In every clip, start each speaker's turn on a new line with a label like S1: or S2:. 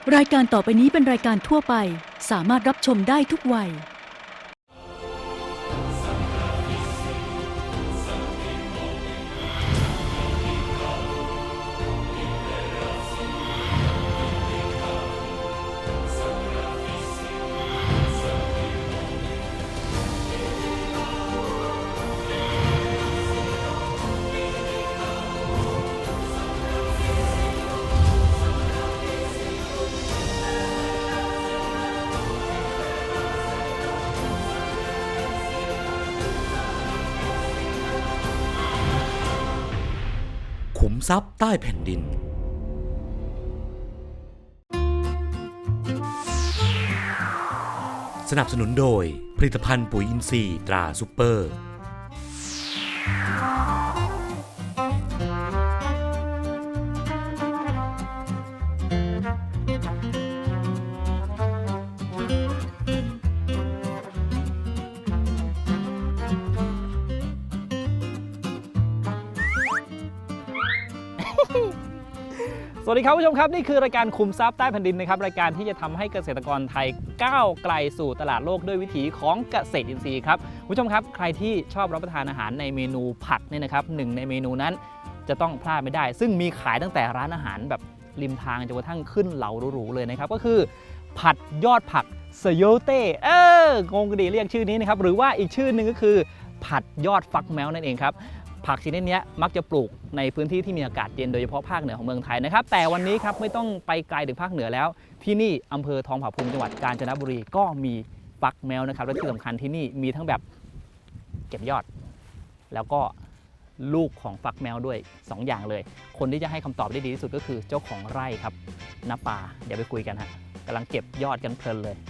S1: รายการต่อไปนี้เป็นรายการทั่วไปสามารถรับชมได้ทุกวัย
S2: ขุมทรัพย์ใต้แผ่นดินสนับสนุนโดยผลิตภัณฑ์ปุ๋ยอินทรีย์ตราซุปเปอร์
S3: สวัสดีครับผู้ชมครับนี่คือรายการคุมทรัพย์ใต้แผ่นดินนะครับรายการที่จะทำให้เกษตรกรไทยก้าวไกลสู่ตลาดโลกด้วยวิถีของเกษตรอินทรีย์ครับผู้ชมครับใครที่ชอบรับประทานอาหารในเมนูผัดเนี่ยนะครับหนึ่งในเมนูนั้นจะต้องพลาดไม่ได้ ซึ่งมีขายตั้งแต่ร้านอาหารแบบริมทางจนกระทั่งขึ้นเหลาหรูๆเลยนะครับก็คือผัดยอดผักเซโยเต้งงกันดีเรียกชื่อนี้นะครับหรือว่าอีกชื่อหนึ่งก็คือผัดยอดฟักแมวนั่นเองครับผักชนิดนี้มักจะปลูกในพื้นที่ที่มีอากาศเย็นโดยเฉพาะภาคเหนือของเมืองไทยนะครับแต่วันนี้ครับไม่ต้องไปไกลถึงภาคเหนือแล้วที่นี่อำเภอทองผาภูมิจังหวัดกาญจนบุรีก็มีฟักแมวนะครับและที่สำคัญที่นี่มีทั้งแบบเก็บยอดแล้วก็ลูกของฟักแมวด้วย2อย่างเลยคนที่จะให้คำตอบได้ดีที่สุดก็คือเจ้าของไร่ครับณปาเดี๋ยวไปคุยกันฮะกำลังเก็บยอดกันเพลินเลย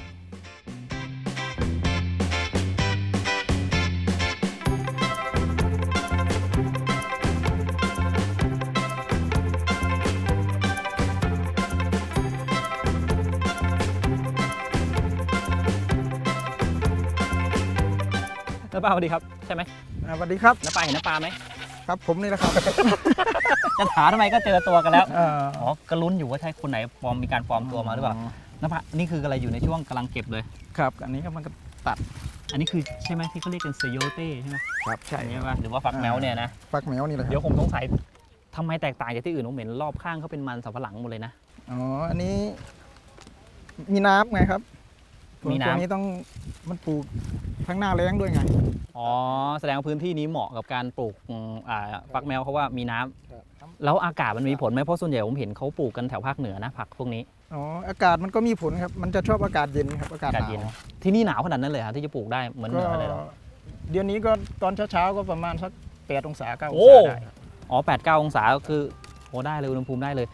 S3: น้าปาสวัสดีครับใช่ไหม
S4: สวัสดีครับ
S3: น้าปาเห็นน้าปาไหม
S4: ครับผมนี่แหละครับ
S3: จะถามทำไมก็เจอตัวกันแล้วอ๋อก็ลุ้นอยู่ว่าใช่คนไหนมีการปลอมตัวมาหรือเปล่าน้าปานี่คืออะไรอยู่ในช่วงกำลังเก็บเลย
S4: ครับอันนี้ก็มันก็ตัด
S3: อันนี้คือใช่ไหมที่เขาเรียกกันเซโยเต้ใช่ไหม
S4: ครับใช่
S3: ไหมหรือว่าฟักแมวเนี่ยนะ
S4: ฟักแมวนี่แหละ
S3: เดี๋ยวผมสงสัยทำไมแตกต่างจากที่อื่นผมเห็นรอบข้างเขาเป็นมันสำปะหลังหมดเลยนะ
S4: อ๋ออันนี้มีน้ำไงครับ
S3: มีน้ำ
S4: นี้ต้องมันปลูกทั้งหน้าแล้งด้วยไง
S3: อ๋อแสดงว่าพื้นที่นี้เหมาะกับการปลูกฟักแมวเพราะว่ามีน้ำแล้วอากาศมันมีผลไหมเพราะส่วนใหญ่ผมเห็นเขาปลูกกันแถวภาคเหนือนะผักพวกนี้
S4: อ๋ออากาศมันก็มีผลครับมันจะชอบอากาศเย็นครับอากาศเย็น
S3: ที่นี่หนาวขนาดนั้นเลยครับที่จะปลูกได้เหมือนเหนือเลยหรอ
S4: เดือนนี้ก็ตอนเช้าๆก็ประมาณสัก8 องศา 9 องศาได้
S3: อ๋อ8-9 องศาก็คือโอ้ได้เลยอุณหภูมิได้เลย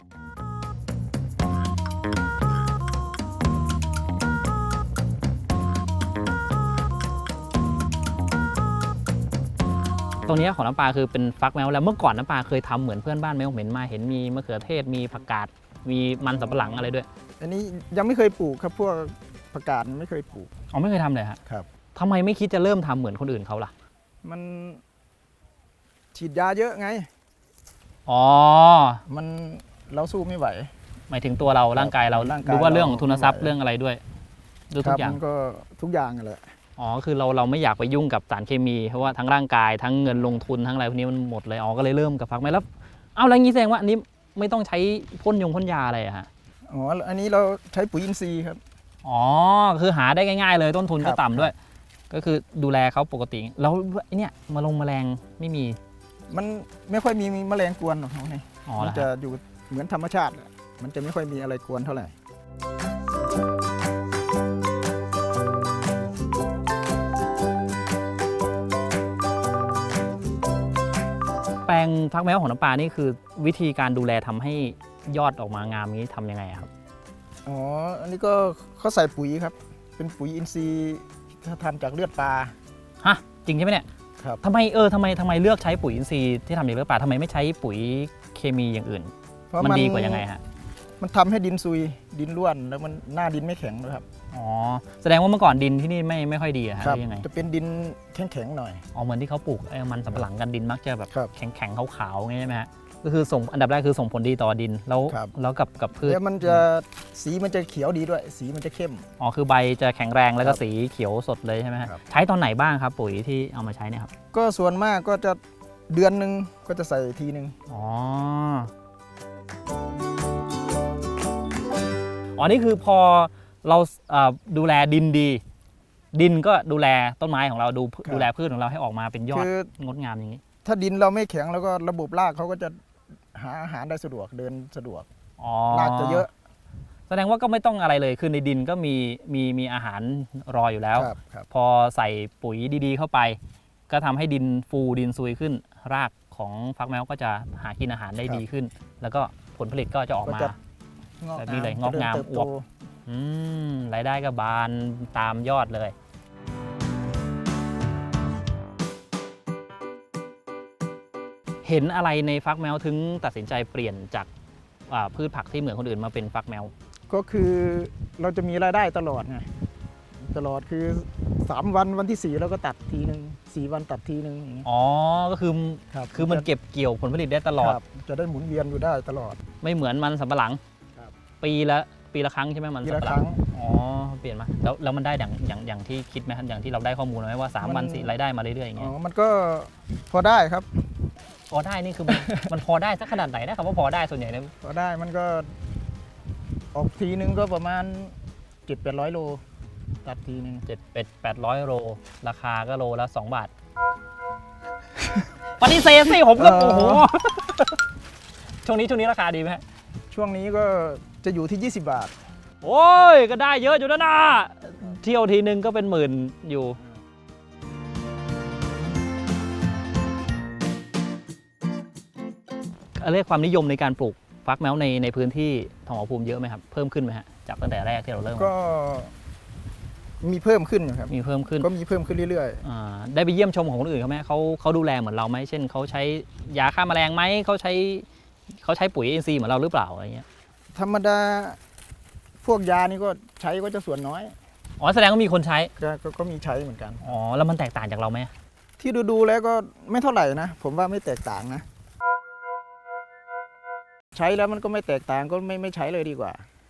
S3: ตรงนี้ของน้ำปลาคือเป็นฟักแมวแล้วเมื่อก่อนน้ำปลาเคยทำเหมือนเพื่อนบ้านไหมผมเห็นมาเห็นมีมะเขือเทศมีผักกาดมีมันสำปะหลังอะไรด้วย
S4: อันนี้ยังไม่เคยปลูกครับพวกผักกาดไม่เคยปลูก
S3: อ๋อไม่เคยทำเลย
S4: ครับ
S3: ทำไมไม่คิดจะเริ่มทำเหมือนคนอื่นเขาล่ะ
S4: มันฉีดยาเยอะไง
S3: อ๋อ
S4: มันเราสู้ไม่ไหว
S3: หมายถึงตัวเราร่างกายเราดูว่าเรื่องของทุนทรัพย์เรื่องอะไรด้วยดูทุกอย่าง
S4: ก็ทุกอย่างแหละ
S3: อ๋อคือเราไม่อยากไปยุ่งกับสารเคมีเพราะว่าทั้งร่างกายทั้งเงินลงทุนทั้งอะไรพวกนี้มันหมดเลยอ๋อก็เลยเริ่มกับฟักแมวแล้วเอาอะไรงี้แสดงว่าอันนี้ไม่ต้องใช้พ่นยาอะไรอะฮะ
S4: อ๋ออันนี้เราใช้ปุ๋ยอินทรีย์ครับ
S3: อ๋อคือหาได้ง่ายๆเลยต้นทุนก็ต่ำด้วยก็คือดูแลเขาปกติแล้วเนี่ยแมลงไม่มี
S4: มันไม่ค่อยมีแมลงกวนหรอกเขาเนี่ยมันจะอยู่เหมือนธรรมชาติมันจะไม่ค่อยมีอะไรกวนเท่าไหร่
S3: แปลงฟักแมวของน้ำปลานี่คือวิธีการดูแลทำให้ยอดออกมางามนี้ทำยังไงครับ
S4: อ๋ออันนี้ก็เขาใส่ปุ๋ยครับเป็นปุ๋ยอินทรีย์ทำจากเลือดปลา
S3: ฮะจริงใช่ไหมเนี่ย
S4: ครับ
S3: ทำไมเลือกใช้ปุ๋ยอินทรีย์ที่ทำจากเลือดปลาทำไมไม่ใช้ปุ๋ยเคมีอย่างอื่นมันดีกว่ายังไงฮะ
S4: มันทำให้ดินซุยดินร่วนแล้วมันหน้าดินไม่แข็งนะครับ
S3: อ๋อแสดงว่าเมื่อก่อนดินที่นี่ไม่ค่อยดีอะฮะยังไง
S4: จะเป็นดินแข็งๆหน่อย
S3: อ๋อเหมือนที่เขาปลูกมันสำปะหลังกันดินมักจะแบบแข็งๆขาวๆงี้ใช่ไหมฮะก็คือส่งอันดับแรกคือส่งผลดีต่อดินแล้ว
S4: ครับ
S3: แล้วกับพืช
S4: แล้วมันจะสีมันจะเขียวดีด้วย สีมันจะเข้ม
S3: อ๋อคือใบจะแข็งแรงแล้วก็
S4: ครับ
S3: สีเขียวสดเลยใช่ไหมฮะ
S4: ครับ
S3: ใช้ตอนไหนบ้างครับปุ๋ยที่เอามาใช้เนี่ยครับ
S4: ก็ส่วนมากก็จะเดือนหนึ่งก็จะใส่ทีหนึ่ง
S3: อ๋ออ๋อนี่คือพอเราดูแลดินดี ดินก็ดูแลต้นไม้ของเราดูแลพืชของเราให้ออกมาเป็นยอด
S4: คือง
S3: ดงามอย่างนี้
S4: ถ้าดินเราไม่แข็งแล้วก็ระบบรากเขาก็จะหาอาหารได้สะดวกเดินสะดวก
S3: อ๋อ
S4: รากจะเยอะ
S3: แสดงว่าก็ไม่ต้องอะไรเลยคือในดินก็มีอาหารรออยู่แล้ว
S4: ครับ
S3: พอใส่ปุ๋ยดีๆเข้าไป ก็ทำให้ดินฟูดินซุยขึ้น รากของฟักแมวก็จะหากินอาหารได้ดีขึ้น แล้วก็ผลผลิตก็จะออกมา
S4: ก็จะ
S3: แบบนี้เลยงอกงาม
S4: เจริญเติบ
S3: อ
S4: โต
S3: วบ รายได้ก็บานตามยอดเลย เห็นอะไรในฟักแมวถึงตัดสินใจเปลี่ยนจากพืชผักที่เหมือนคนอื่นมาเป็นฟักแมว
S4: ก็คือเราจะมีรายได้ตลอดไงตลอดคือ3วันที่4เราก็ตัดทีหนึ่ง4 วันตัดทีหนึ่งอย่างเงี้ย
S3: อ๋อ ก็คือ
S4: ครับ
S3: คือมันเก็บเกี่ยวผลผลิตได้ตลอด
S4: ครับจะได้หมุนเวียนอยู่ได้ตลอด
S3: ไม่เหมือนมันสำปะหลัง
S4: ครับ
S3: ปีละครั้งใช่ไหมมัน
S4: ปี
S3: สำ
S4: ละ
S3: ปะห
S4: ค
S3: ลั
S4: รั้
S3: ง
S4: ง
S3: อ๋อเปลี่ยนมาแล้วมันได้อย่างที่คิดไหมครับอย่างที่เราได้ข้อมูลไหมว่า3 วัน4รายได้มาเรื่อยๆอย่าง
S4: อ๋
S3: เงี้ย
S4: อมันก็พอได้ครับ
S3: พอได้นี่คือ มันพอได้สักขนาดไหนนะครับว่าพอได้ส่วนใหญ่เนี่ย
S4: พอได้มันก็ออกทีนึงก็ประมาณ 700-800 โลตัดทีนึง
S3: 800 โลราคาก็โลละ2 บาท ปฏิเสธสิผมก็โอ้โหช่วงนี้ราคาดีไหมฮะ
S4: ช่วงนี้ก็จะอยู่ที่ 20 บาท
S3: โอ้ยก็ได้เยอะอยู่นะเที่ยวทีนึงก็เป็นหมื่นอยู่เรียกความนิยมในการปลูกฟักแมวในพื้นที่ทองผาภูมิเยอะไหมครับเพิ่มขึ้นไหมฮะจากตั้งแต่แรกที่เราเริ่ม
S4: ก็มีเพิ่มขึ้นอยู่ครับ
S3: มีเพิ่มขึ้น
S4: ก็มีเพิ่มขึ้นเรื่อย
S3: ได้ไปเยี่ยมชมของคนอื่นเขาไหมเขาดูแลเหมือนเราไหมเช่นเขาใช้ยาฆ่าแมลงไหมเขาใช้ปุ๋ยอินทรีย์เหมือนเราหรือเปล่าอะไรเงี้ย
S4: ๆ ธรรมดาพวกยานี่ก็ใช้ก็จะส่วนน้อย
S3: อ๋อแสดงว่ามีคนใช้
S4: ก็มีใช้เหมือนกัน
S3: อ๋อแล้วมันแตกต่างจากเราไหม
S4: ที่ดูแล้วก็ไม่เท่าไหร่นะ ผมว่าไม่แตกต่างนะ ใช้แล้วมันก็ไม่แตกต่างก็ไม่ใช้เลยดีกว่า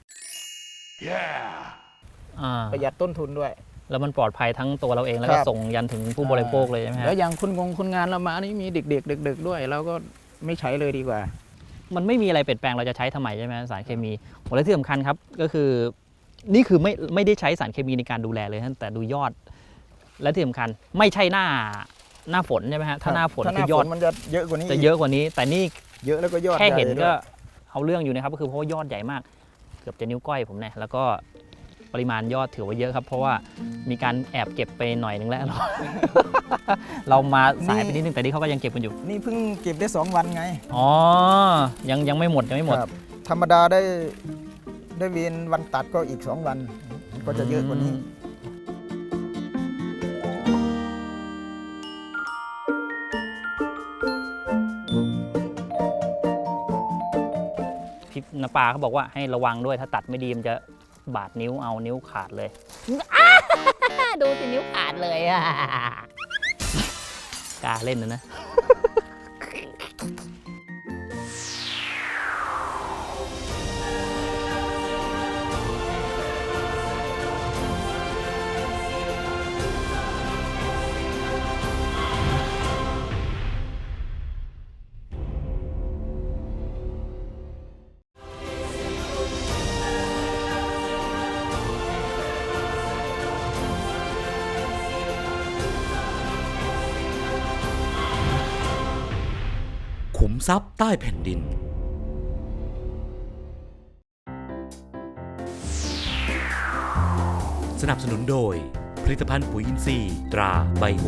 S4: ประหยัดต้นทุนด้วย
S3: แล้วมันปลอดภัยทั้งตัวเราเองแล้วก็
S4: ครับ
S3: ส่งยันถึงผู้บริโภคเลยใช่ไหมฮะ
S4: แล้วอย่างคนงานเรามานี่มีเด็กๆดึกๆด้วยเราก็ไม่ใช้เลยดีกว่า
S3: มันไม่มีอะไรเปลี่ยนแปลงเราจะใช้ทำไมใช่ไหมสารเคมีโอ้และที่สำคัญครับก็คือนี่คือไม่ได้ใช้สารเคมีในการดูแลเลยนะแต่ดูยอด และที่สำคัญไม่ใช่หน้าฝนใช่ไหมฮะถ้าหน้าฝน
S4: ถ้าห
S3: คื
S4: น้า
S3: อย
S4: ฝ
S3: อด
S4: นมันจะเยอะกว่านี้
S3: จะเยอะกว่านี้ แต่นี่
S4: เยอะแล้วก็ยอด
S3: แค่เห็น
S4: ใญ่ด้
S3: ก็
S4: วย
S3: เอาเรื่องอยู่นะครับก็คือเพราะว่ายอดใหญ่มาก เกือบจะนิ้วก้อยผมเนี่ยแล้วก็ปริมาณยอดถือว่าเยอะครับ เพราะว่ามีการแอบเก็บไปหน่อยนึงแล้ว เรามาสายไปนิดนึงแต่นี่เขาก็ยังเก็บกันอยู่
S4: นี่เพิ่งเก็บได้2 วันไง
S3: อ๋อยังไม่หมดยังไม่หมด
S4: ครับธรรมดาได้เวียนวันตัดก็อีก2 วันก็จะเยอะกว่านี้
S3: พี่นปาเขาบอกว่าให้ระวังด้วยถ้าตัดไม่ดีมันจะบาดนิ้วเอานิ้วขาดเลย ดูสินิ้วขาดเลยอ่ะกล้าเล่นนะ
S2: ขุมทรัพย์ใต้แผ่นดิน สนับสนุนโดยผลิตภัณฑ์ปุ๋ยอินทรีย์ตราไบโอ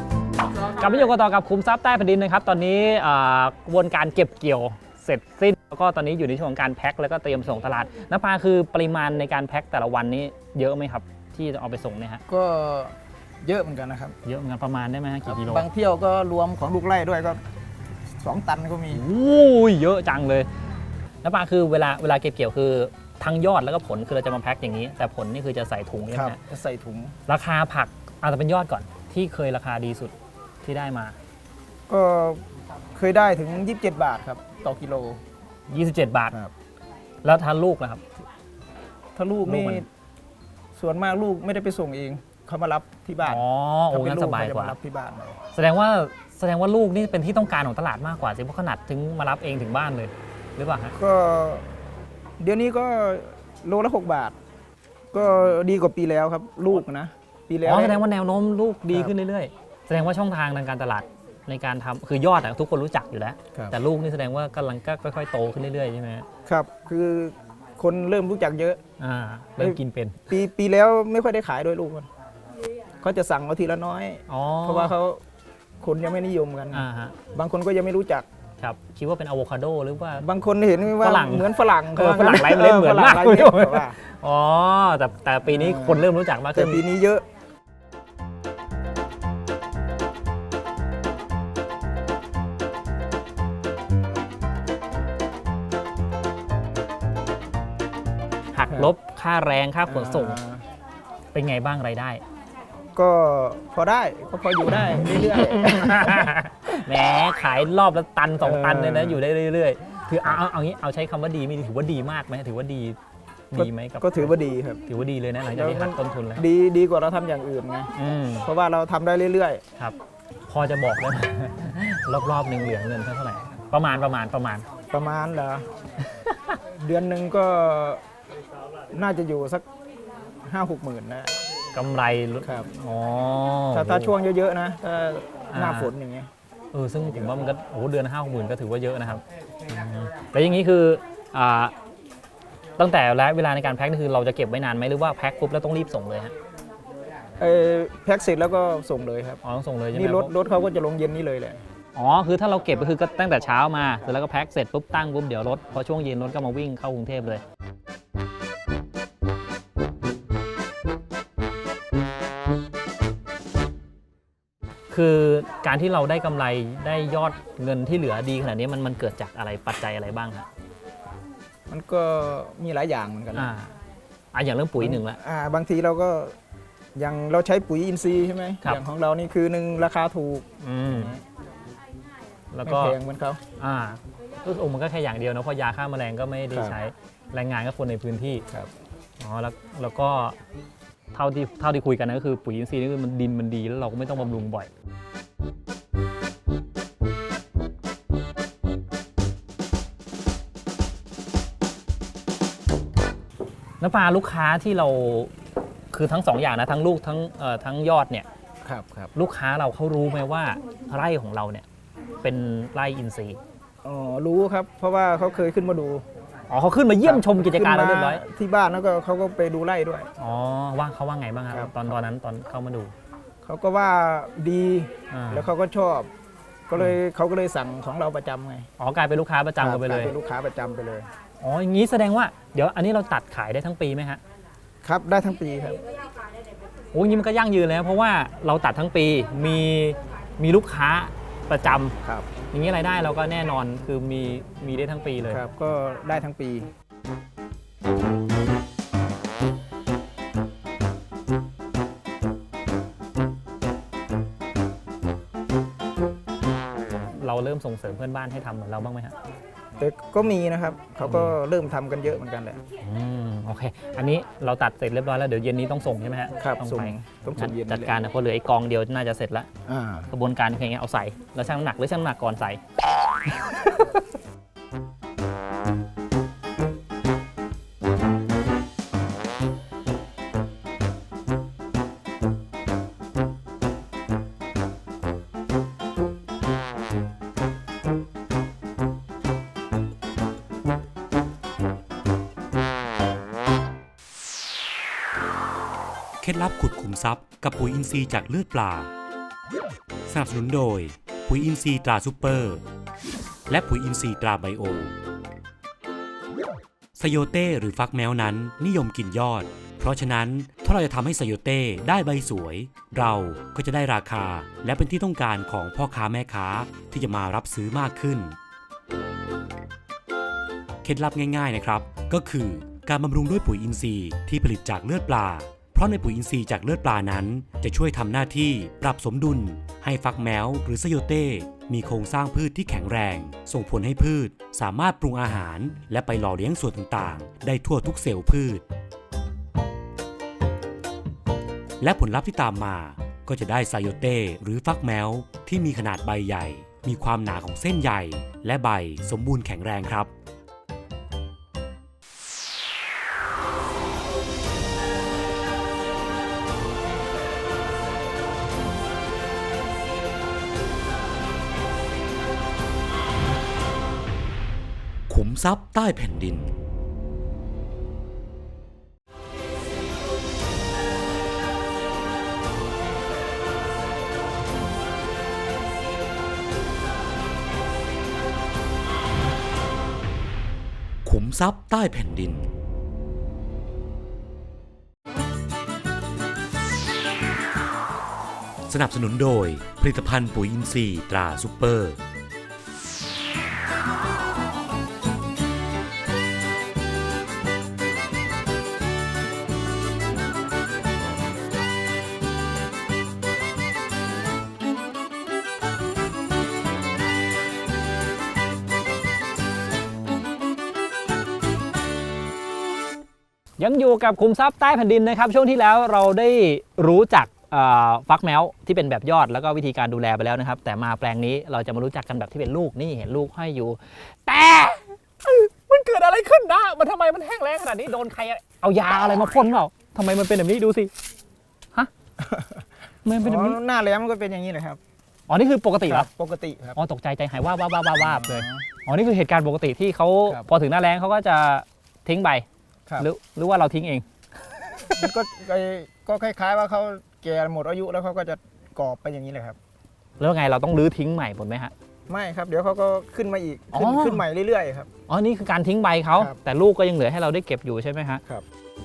S3: กลับมาอยู่กันต่อกับคุมทรัพย์ใต้แผ่นดินนะครับ ตอนนี้กระบวนการเก็บเกี่ยวเสร็จสิ้นแล้วก็ตอนนี้อยู่ในช่วงของการแพ็คแล้วก็เตรียมส่งตลาดน้ำปลาคือปริมาณในการแพ็คแต่ละวันนี้เยอะไหมครับที่จะเอาไปส่งเนี่ยฮะ
S4: ก็เยอะเหมือนกันนะครับ
S3: เยอะเหมือนกันประมาณได้ไหมฮะกี่กิโล
S4: บางเที่ยวก็รวมของลูกไร่ด้วยก็2 ตันก็มี
S3: โอ้ยเยอะจังเลยน้ำปลาคือเวลาเก็บเกี่ยวคือทั้งยอดแล้วก็ผลคือเราจะมาแพ็คอย่างนี้ แต่ผลนี่คือจะใส่ถุงใช่
S4: ค
S3: ไห
S4: รับ
S3: มฮะ
S4: จะใส่ถุง
S3: ราคาผักเอาแต่เป็นยอดก่อนที่เคยราคาดีสุดที่ได้มา
S4: ก็เคยได้ถึง27 บาทครับต่อกิโล
S3: 27 บาท
S4: ครับ
S3: แล้วทานลูกนะครับ
S4: ถ้าลูก
S3: ลู
S4: นี่
S3: กมัน
S4: ส่วนมากลูกไม่ได้ไปส่งเองเขามารับที่บ้าน
S3: อ๋อโอ้
S4: ถ้เป็
S3: งั้น
S4: ลู
S3: สบาย
S4: เขจะ
S3: กว่า
S4: มรับที่บ้าน
S3: แสดงว่าลูกนี่เป็นที่ต้องการของตลาดมากกว่าสิเพราะขนาดถึงมารับเองถึงบ้านเลยหรือเปล่าฮะ
S4: ก็เดี๋ยวนี้ก็โลละ6 บาท ก็ดีกว่าปีแล้วครับ ลูกนะปีแล้ว
S3: อ๋อแสดงว่าแนวโน้มลูกดี
S4: ครับ
S3: ขึ้นเรื่อยๆ แสดงว่าช่องทางทางการตลาดในการทำคือยอดอะทุกคนรู้จักอยู่แล้ว
S4: ครับ
S3: แต่ลูกนี่แสดงว่ากำลังก็ค่อยๆโตขึ้นเรื่อยๆใช่ไหมฮะ
S4: ครับ คือคนเริ่มรู้จักเยอะ
S3: เริ่มกินเป็น
S4: ปีแล้วไม่ค่อยได้ขายด้วยลูกมันเขาจะสั่งเอาทีละน้อย
S3: อ๋อ
S4: เพราะว่าเขาคนยังไม่นิยมกัน
S3: ฮะ
S4: บางคนก็ยังไม่รู้จัก
S3: ครับคิดว่าเป็นอะโวคาโดหรือว่า
S4: บางคนเห็นว่า
S3: ฝรั่ง
S4: เหมือนฝรั่ง
S3: ฝรั่งไร้เมล็ดเหมือนมาก
S4: ฝรั่งไร้เมล็ดว่า
S3: อ๋อแต่ปีนี้คนเริ่มรู้จักมาก
S4: แต่
S3: ขึ้น
S4: ปีนี้เยอะ
S3: หักลบค่าแรงค่าขนส่งเป็นไงบ้างรายได้
S4: ก็พอได้ก็พออยู่ได้เรื่อย
S3: แหมขายรอบละตัน2 ตันเลยนะ
S4: เออ
S3: อ
S4: อยู่
S3: ได้เรื่อยๆถือเอางี้เอาใช้คำว่าดีไม่ดีถือว่าดีมากไหมถือว่าดีไหมกับ
S4: ก็ถือว่าดีครับ
S3: ถือว่าดีเลยนะหลังจากที่หักต้นทุนแล้ว
S4: ดีกว่าเราทำอย่างอื่นไง
S3: อืม
S4: เพราะว่าเราทำได้เรื่อย
S3: ครับ พอจะบอกได้ไหม รอบๆหนึ่งเหลือเงินเท่าไหร่ประมาณ
S4: ๆ ประมาณเหรอ เดือนหนึ่งก็น่าจะอยู่สัก 5-6 หมื่นนะ
S3: กำไร
S4: ครับ
S3: อ๋อ
S4: ถ้าช่วงเยอะๆนะถ้าหน้า
S3: อ่า
S4: ฝนอย่างเงี้ย
S3: ซึ่งผมว่ามันก็เดือน50,000ก็ถือว่าเยอะนะครับแล้วอย่างนี้คืออ่าตั้งแต่และเวลาในการแพ็คนี่คือเราจะเก็บไว้นานไหมหรือว่าแพ็คปุ๊บแล้วต้องรีบส่งเลยฮะ
S4: แพ็คเสร็จแล้วก็ส่งเลยครับ
S3: อ๋อต้องส่งเลยใช่ไหม
S4: นี่รถเขาก็จะลงเย็นนี่เลยแหละ
S3: อ๋อคือถ้าเราเก็บก็คือก็ตั้งแต่เช้ามาเสร็จแล้วก็แพ็คเสร็จปุ๊บตั้งปุ๊บเดี๋ยวรถพอช่วงเย็นรถก็มาวิ่งเข้ากรุงเทพเลยคือการที่เราได้กำไรได้ยอดเงินที่เหลือดีขนาดนี้มันเกิดจากอะไรปัจจัยอะไรบ้างครับ
S4: มันก็มีหลายอย่างเหมือนกันนะ
S3: อย่างเรื่องปุ๋ยหนึ่งละ
S4: บางทีเราก็อย่างเราใช้ปุ๋ยอินทรีย์ใช่ไหม
S3: ครับ
S4: อย่างของเรานี่คือหนึ่งราคาถูก
S3: แล้ว
S4: ไม่
S3: ก็
S4: แพงเหมือนเขา
S3: ก็มันก็แค่อย่างเดียวนะเพราะยาฆ่าแมลงก็ไม่ได้
S4: ครับ
S3: ใช้แรงงานก็คนในพื้นที่
S4: ครับ
S3: อ๋อแล้วก็เท่าที่คุยกันนะก็คือปุ๋ยอินทรีย์นี่คือมันดินมันดีแล้วเราก็ไม่ต้องบำรุงบ่อยน้ำปลาลูกค้าที่เราคือทั้ง2 อย่างนะทั้งลูกทั้งยอดเนี่ย
S4: ครับ
S3: ลูกค้าเราเขารู้ไหมว่าไร่ของเราเนี่ยเป็นไร่อินทรีย์
S4: อ๋อรู้ครับ เพราะว่าเขาเคยขึ้นมาดู
S3: อ๋อเขาขึ้นมาเยี่ยมชมกิจการเราเรียบร้อย
S4: ขึ้นมที่บ้านแล้วก็เขาก็ไปดูไร่ด้วย
S3: อ๋อว่าเขาว่าไงบ้างครับ
S4: ครับ
S3: ตอนนั้นตอนเข้ามาดู
S4: เขาก็ว่าดี
S3: อ่า
S4: แล้วเขาก็ชอบ เขาก็เลยสั่งของเราประจำไง
S3: อ๋อกลายเป็นลูกค้าประจำกันไปเลย
S4: กาเป็นลูกค้าประจำไปเลย
S3: อ๋ออย่างนี้แสดงว่าเดี๋ยวอันนี้เราตัดขายได้ทั้งปีไหมฮะ
S4: ครับได้ทั้งปีครับ
S3: โอ้ยางนี้มันก็ยั่งยืนแล้วเพราะว่าเราตัดทั้งปีมีลูกค้าประจำ
S4: ครับ
S3: อย่างนี้รายได้เราก็แน่นอนคือมีได้ทั้งปีเลย
S4: ครับก็ได้ทั้งปี
S3: เราเริ่มส่งเสริมเพื่อนบ้านให้ทำเหมือนเราบ้างไหมฮะ
S4: แต่ก็มีนะครับเขาก็เริ่มทำกันเยอะเหมือนกันแหละ
S3: โอเค อันนี้เราตัดเสร็จเรียบร้อยแล้วเดี๋ยวเย็นนี้ต้องส่งใช่ไหมฮะ
S4: ครับ
S3: ต้อง
S4: ส่ง
S3: ไป
S4: ต้องส่งเย็น
S3: จัดการนะเพราะเหลือไอ้กองเดียวน่าจะเสร็จแล้ว
S4: อ่า
S3: กระบวนการคือไงเอาใส่แล้วชั่งน้ำหนักหรือชั่งน้ำหนักก่อนใส่
S2: เคล็ดลับขุดขุมทรัพย์กับปุ๋ยอินทรีย์จากเลือดปลา สนับสนุนโดยปุ๋ยอินทรีย์ตราซูเปอร์ และปุ๋ยอินทรีย์ตราไบโอโยเต้หรือฟักแมวนั้นนิยมกินยอดเพราะฉะนั้นถ้าเราจะทำให้ไซโยเต้ได้ใบสวยเราก็จะได้ราคาและเป็นที่ต้องการของพ่อค้าแม่ค้าที่จะมารับซื้อมากขึ้นเคล็ดลับง่ายๆนะครับก็คือการบำรุงด้วยปุ๋ยอินทรีย์ที่ผลิตจากเลือดปลาเพราะในปุ๋ยอินทรีย์จากเลือดปลานั้นจะช่วยทำหน้าที่ปรับสมดุลให้ฟักแมวหรือไซโยเต้มีโครงสร้างพืชที่แข็งแรงส่งผลให้พืชสามารถปรุงอาหารและไปหล่อเลี้ยงส่วนต่างๆได้ทั่วทุกเซลล์พืชและผลลัพธ์ที่ตามมาก็จะได้ไซโยเต้หรือฟักแมวที่มีขนาดใบใหญ่มีความหนาของเส้นใยและใบสมบูรณ์แข็งแรงครับขุมทรัพย์ใต้แผ่นดินขุมทรัพย์ใต้แผ่นดินสนับสนุนโดยผลิตภัณฑ์ปุ๋ยอินทรีย์ตราซุปเปอร์
S3: ยังอยู่กับขุมทรัพย์ใต้แผ่นดินนะครับช่วงที่แล้วเราได้รู้จักฟักแมวที่เป็นแบบยอดแล้วก็วิธีการดูแลไปแล้วนะครับแต่มาแปลงนี้เราจะมารู้จักกันแบบที่เป็นลูกนี่เห็นลูกห้อยอยู่แต่มันเกิดอะไรขึ้นนะมันทำไมมันแห้งแล้งขนาดนี้โดนใครเอายาอะไรมาพ่นเปล่าทำไมมันเป็นแบบนี้ดูสิฮะมันเป็นแบบนี้
S4: หน้าแล้งมันก็เป็นอย่างนี้เลยครับ
S3: อ๋อนี่คือปกติเหรอ
S4: ปกติครับ
S3: อ๋อตกใจใจหายว่าเลยอ๋อนี่คือเหตุการณ์ปกติที่เขา
S4: ครับ
S3: พอถึงหน้าแล้งเขาก็จะทิ้งใบ
S4: ครับ
S3: หรือว่าเราทิ้งเอง
S4: มันก็คล้ายๆว่าเขาแก่หมดอายุแล้วเขาก็จะกรอบไปอย่างนี้เลยครับ
S3: แล้วไงเราต้องรื้อทิ้งใหม่หมดไหมฮะ
S4: ไม่ครับเดี๋ยวเขาก็ขึ้นมาอีก
S3: อ๋อ
S4: ขึ้นใหม่เรื่อยๆครับ
S3: อ๋อนี่คือการทิ้งใบเขา
S4: ครับ
S3: แต่ลูกก็ยังเหลือให้เราได้เก็บอยู่ใช่ไหมฮะ
S4: ครับ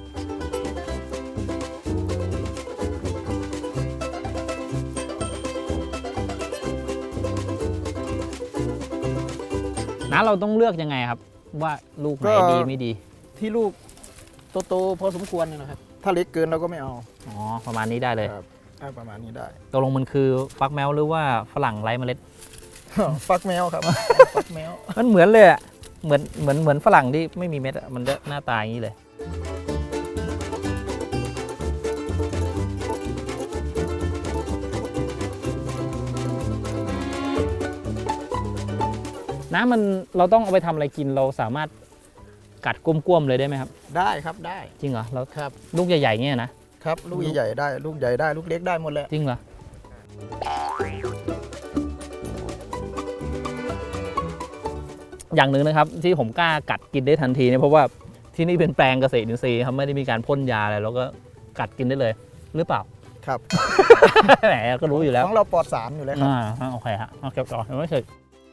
S3: นะเราต้องเลือกยังไงครับ ว่าลูกไหนดีไม่ดี
S4: ที่ลูกโตๆพอสมควรเนี่ยนะครับ ถ้าเล็กเกินเราก็ไม่เอา
S3: อ๋อประมาณนี้ได้เลย
S4: ครับประมาณนี้ได้
S3: ตกลงมันคือฟักแมวหรือว่าฝรั่งไร้เมล็ด
S4: ฟักแมวครับ ฟักแมว
S3: มันเหมือนเลยอะเหมือนฝรั่งที่ไม่มีเม็ดอะมันจะหน้าตาอย่างนี้เลยน้ำมันเราต้องเอาไปทำอะไรกินเราสามารถกัดก้มๆเลยได้ไหมครับ
S4: ได้ครับได้
S3: จริงเหรอแล้ว
S4: ครับ
S3: ลูกใหญ่ๆเงี้ยนะครับ
S4: ลูกใหญ่ๆได้ลูกใหญ่ได้ลูกเล็กได้หมดเลย
S3: จริงเหรออย่างหนึ่งนะครับที่ผมกล้ากัดกินได้ทันทีเนี่ยเพราะว่าที่นี่เป็นแปลงเกษตรอินทรีย์ครับไม่ได้มีการพ่นยาอะไรแล้วก็กัดกินได้เลยหรือเปล่า
S4: ครับ
S3: แหมก็รู้อยู่แล้ว
S4: ของเราปลอดสารอยู่แล้วครับ
S3: โอเคฮะเอาเก็บต่อไม่เคย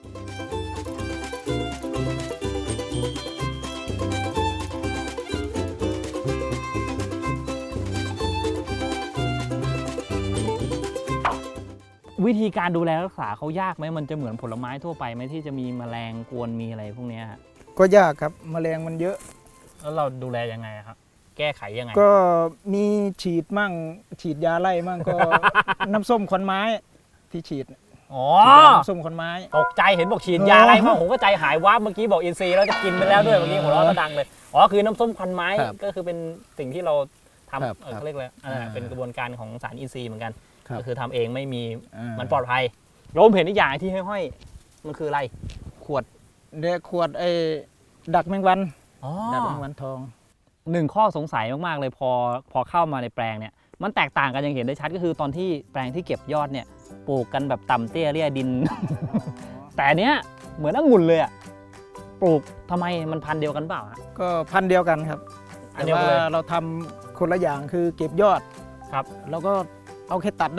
S3: วิธีการดูแลรักษาเขายากไหมมันจะเหมือนผลไม้ทั่วไปไหมที่จะมีแมลงกวนมีอะไรพวกเนี้ยฮะ
S4: ก็ยากครับแมลงมันเยอะ
S3: แล้วเราดูแลยังไงครับ แก้ไขยังไง
S4: ก็มีฉีดมั่งฉีดยาไล่มั่งก็ น้ำส้มขอนไม้ที่ฉีด
S3: อ๋อ
S4: น้ำส้มขอนไม้
S3: ตกใจเห็นบอกฉีดยาอะไรมาผมก็ใจหายวับเมื่อกี้บอกอินซีย์แล้วจะกินไปแล้วด้วยเมื่อกี้หัวเราะดังเลยอ๋อคือน้ำส้มควันไม้
S4: ครับ
S3: ก็คือเป็นสิ่งที่เราทำ
S4: ครับ
S3: เขาเรียกอะไรเป็นกระบวนการของสารอินทรีย์เหมือนกัน
S4: ครับ
S3: ก็คือทำเองไม่มี
S4: อ่า
S3: มันปลอดภัยโรมเห็นอีกอย่างที่ห้อยๆมันคืออะไรขวด
S4: เด็กขวดไอ้ดักแมงวัน
S3: อ๋อ
S4: ดักแมงวันทอง
S3: หนึ่งข้อสงสัยมากๆเลยพอเข้ามาในแปลงเนี่ยมันแตกต่างกันอย่างเห็นได้ชัดก็คือตอนที่แปลงที่เก็บยอดเนี่ยปลูกกันแบบต่ำเตี้ยเลี่ยดิน แต่อันเนี้ยเหมือนองุ่นเลยอะปลูกทำไมมันพันธุ์เดียวกันเปล่าฮะ
S4: ก็พันธุ์เดียวกันครับ
S3: อัน
S4: แต่
S3: เดียวกั
S4: ว่าน
S3: เลย
S4: เราทำคนละอย่างคือเก็บยอด
S3: ครับ
S4: แล้วก็เอาแค่ตัดได้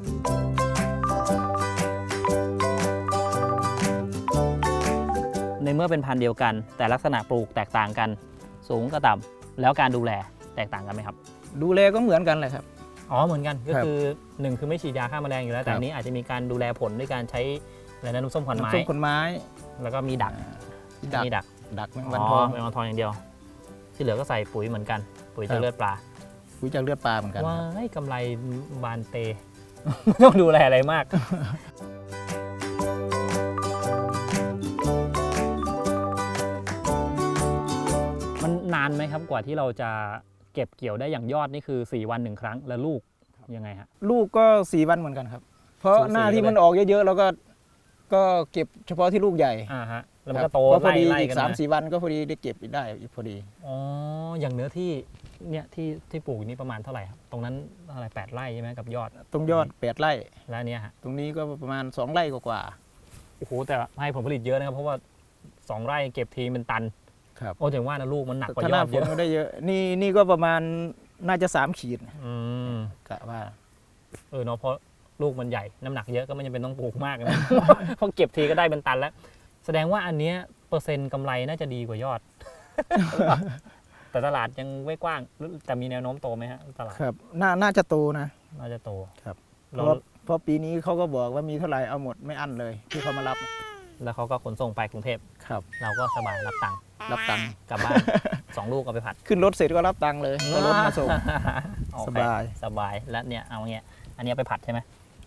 S3: ในเมื่อเป็นพันธุ์เดียวกัน แต่ลักษณะปลูกแตกต่างกัน สูงกับต่ำแล้วการดูแลแตกต่างกันไหมครับ
S4: ดูแลก็เหมือนกันเลยครับ
S3: อ๋อเหมือนกันก็
S4: ครับ
S3: คือ1คือไม่ฉีดยาฆ่าแมลงอยู่แล้วแต่
S4: ครับ
S3: อันนี้อาจจะมีการดูแลผลด้วยการใช้อะไรนะน้ำส้มขวัญไม้
S4: น้ำส้มขนไม้
S3: แล้วก็มีดัก
S4: ดัก
S3: มีดัก
S4: ดักแมงวันทอง
S3: แมงวันทองอย่างเดียว ที่เหลือก็ใส่ปุ๋ยเหมือนกัน ปุ๋ย
S4: ครั
S3: จาก
S4: บ
S3: เลือดปลา
S4: ปุ๋ยจากเลือดปลาเหมือนกัน
S3: ว้ายกำไรบานเต ไม่ต้องดูแลอะไรมาก มันนานไหมครับกว่าที่เราจะเก็บเกี่ยวได้อย่างยอดนี่คือ 4 วัน1ครั้งแล้วลูกยังไงฮะ
S4: ลูกก็4 วันเหมือนกันครับ เพราะ
S3: สูสี
S4: หน้าที่
S3: เลย
S4: มันออกเยอะๆเราก็เก็บเฉพาะที่ลูกใหญ่
S3: ฮะแล้วมันก็โต
S4: พอดี
S3: ไล่
S4: อีก
S3: กัน
S4: สาม
S3: มา
S4: สี่วันก็พอดีได้เก็บได้อีกพอดี
S3: อ๋ออย่างเนื้อที่เนี่ยที่ปลูกนี่ประมาณเท่าไหร่ครับตรงนั้นเท่าไหร่8 ไร่ใช่ไหมกับยอด
S4: ตรงยอด8 ไร่
S3: แล้วอันเนี่ยฮะ
S4: ตรงนี้ก็ประมาณ2 ไร่กว่า
S3: โอ้โหแต่ให้ผลผลิตเยอะนะครับเพราะว่า2 ไร่เก็บทีเป็นตัน
S4: ๆครับ
S3: โอ้ถึงว่านะลูกมันหนักกว่า
S4: ถ้าย ห
S3: อ
S4: น้า
S3: ด
S4: ฝ
S3: เย
S4: น
S3: อะ
S4: ก็ได้เยอะ นี่ก็ประมาณน่าจะ3 ขีด
S3: อืม
S4: กะว่า
S3: เนาะเพราะลูกมันใหญ่น้ำหนักเยอะก็ไม่จำเป็นต้องปลูกมากนะ เพราะเก็บทีก็ได้เป็นตันแล้ว แสดงว่าอันเนี้ยเปอร์เซ็นต์กำไรน่าจะดีกว่ายอด แต่ตลาดยังไม่กว้างแต่มีแนวโน้มโตไหมฮะตลาด
S4: ครับน่าจะโตนะ
S3: น่าจะโต
S4: ครับ
S3: เรา
S4: เพราะปีนี้เขาก็บอกว่ามีเท่าไหร่เอาหมดไม่อั้นเลยที่เขามารับ
S3: แล้วเขาก็ขนส่งไปกรุงเทพ
S4: ครับ
S3: เราก็สบายรับตังค์
S4: รับตังค์
S3: กลับบ้าน 2 ลูกเอาไปผัด
S4: ขึ้นรถเสร็จก็รับตังค์เลยก็รถมาส่ง
S3: โอเค
S4: สบาย
S3: สบายแล้วเนี่ยเอาเงี้ยอันนี้เอาไปผัดใช่ไหม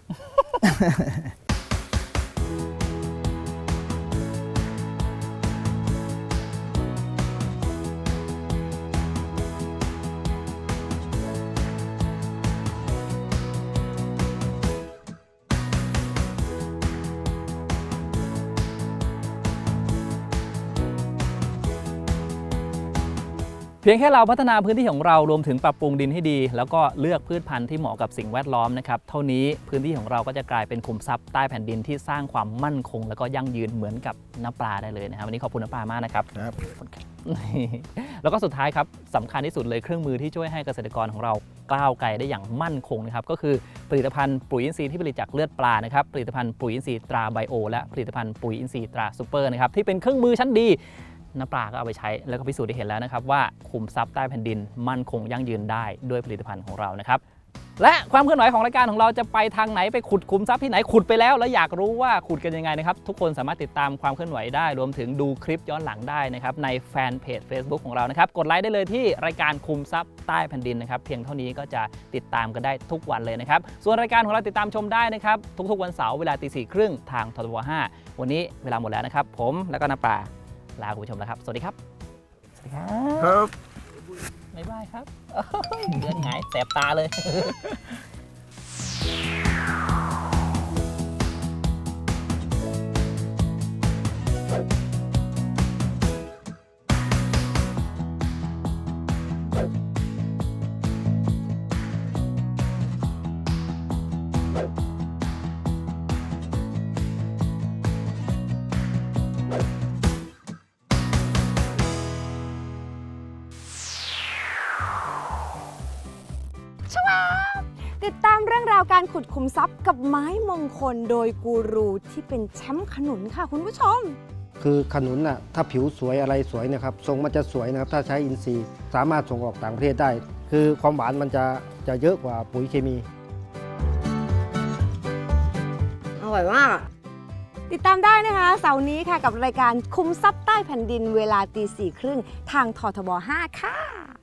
S3: เพียงแค่เราพัฒนาพื้นที่ของเรารวมถึงปรับปรุงดินให้ดี แล้วก็เลือกพืชพันธุ์ที่เหมาะกับสิ่งแวดล้อมนะครับเท่านี้พื้นที่ของเราก็จะกลายเป็นขุมทรัพย์ใต้แผ่นดินที่สร้างความมั่นคง แล้วก็ยั่งยืนเหมือนกับน้ำปลาได้เลยนะครับวันนี้ขอบคุณน้ำปลามากนะครับ
S4: ครับ
S3: แล้วก็สุดท้ายครับสำคัญที่สุดเลยเครื่องมือที่ช่วยให้เกษตรกรของเราก้าวไกลได้อย่างมั่นคงนะครับก็คือผลิตภัณฑ์ปุ๋ยอินทรีย์ที่ผลิตจากเลือดปลานะครับผลิตภัณฑ์ปุ๋ยอินทรีย์ตราไบโอและผลิตภัณฑ์ปุ๋ยอินทรีย์ตราซูเปอร์นะครับที่เป็นเครื่องมือชั้นดีน้ำปลาก็เอาไปใช้แล้วก็พิสูจน์ได้เห็นแล้วนะครับว่าขุมทรัพย์ใต้แผ่นดินมั่นคงยั่งยืนได้ด้วยผลิตภัณฑ์ของเรานะครับและความเคลื่อนไหวของรายการของเราจะไปทางไหนไปขุดขุมทรัพย์ที่ไหนขุดไปแล้วอยากรู้ว่าขุดกันยังไงนะครับทุกคนสามารถติดตามความเคลื่อนไหวได้รวมถึงดูคลิปย้อนหลังได้นะครับในแฟนเพจ Facebook ของเรานะครับกดไลค์ได้เลยที่รายการขุมทรัพย์ใต้แผ่นดินนะครับเพียงเท่านี้ก็จะติดตามกันได้ทุกวันเลยนะครับส่วนรายการของเราติดตามชมได้นะครับทุกๆวันเสาร์เวลา 4:30 ทางททบ 5วันนี้เวลาหมดแล้วนะครับผมแล้วก็น้ำปลาลาคุณผู้ชมแล้วครับสวัสดีครับสวัสดีครับ
S4: ครับ
S3: บ๊ายบายครับเดือนหงายแสบตาเลย
S5: ติดตามเรื่องราวการขุดขุมทรัพย์กับไม้มงคลโดยกูรูที่เป็นแชมป์ขนุนค่ะคุณผู้ชม
S6: คือขนุนน่ะถ้าผิวสวยอะไรสวยนะครับทรงมันจะสวยนะครับถ้าใช้อินทรีย์สามารถส่งออกต่างประเทศได้ คือความหวานมันจะเยอะกว่าปุ๋ยเคมี
S5: อร่อยมาก ติดตามได้นะคะเสาร์นี้ค่ะกับรายการคุมทรัพย์ใต้แผ่นดินเวลา 4:30 ทางททบ 5 ค่ะ